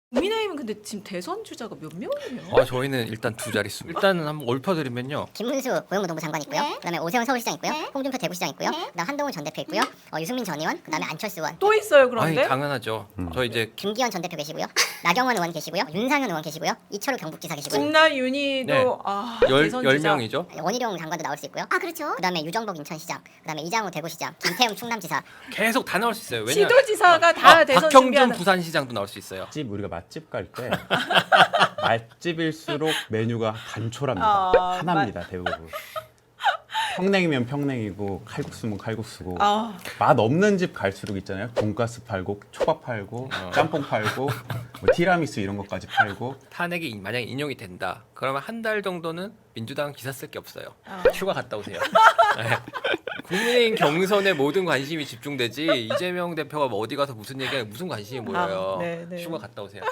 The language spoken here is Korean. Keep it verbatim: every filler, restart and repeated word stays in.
국민의힘은 근데 지금 대선 주자가 몇 명이에요? 아 저희는 일단 두 자릿수. 일단은 한번 읊어드리면요. 김문수 고용노동부 장관 있고요. 네. 그다음에 오세훈 서울시장 있고요. 네. 홍준표 대구시장 있고요. 네. 그다음 한동훈 전 대표 있고요. 어, 유승민 전 의원, 그다음에 안철수 의원, 또 있어요 아니 그런데? 당연하죠. 저 이제 김기현 전 대표 계시고요. 나경원 의원 계시고요. 윤상현 의원 계시고요. 이철우 경북지사 계시고요. 김나 윤희도 네. 아 열, 대선 열 주자. 명이죠. 원희룡 장관도 나올 수 있고요. 아 그렇죠. 그다음에 유정복 인천시장, 그다음에 이장우 대구시장, 김태흠 충남지사. 계속 다 나올 수 있어요. 왜냐 시도지사가 다 아, 대선 박형준 준비하는. 부산시장도 나올 수 있어요. 맛집 우리가 맛집 갈 때 맛집일수록 메뉴가 단촐합니다. 아, 하나입니다 대부분. 평냉이면 평냉이고 칼국수면 칼국수고 아 맛 없는 집 갈수록 있잖아요. 돈가스 팔고 초밥 팔고 어. 짬뽕 팔고 뭐 티라미수 이런 것까지 팔고 탄핵이 만약에 인용이 된다. 그러면 한 달 정도는 민주당 기사 쓸 게 없어요. 아. 휴가 갔다 오세요. 네. 국민의힘 경선에 모든 관심이 집중되지 이재명 대표가 뭐 어디 가서 무슨 얘기하면 무슨 관심이 모여요. 아, 네, 네. 휴가 갔다 오세요.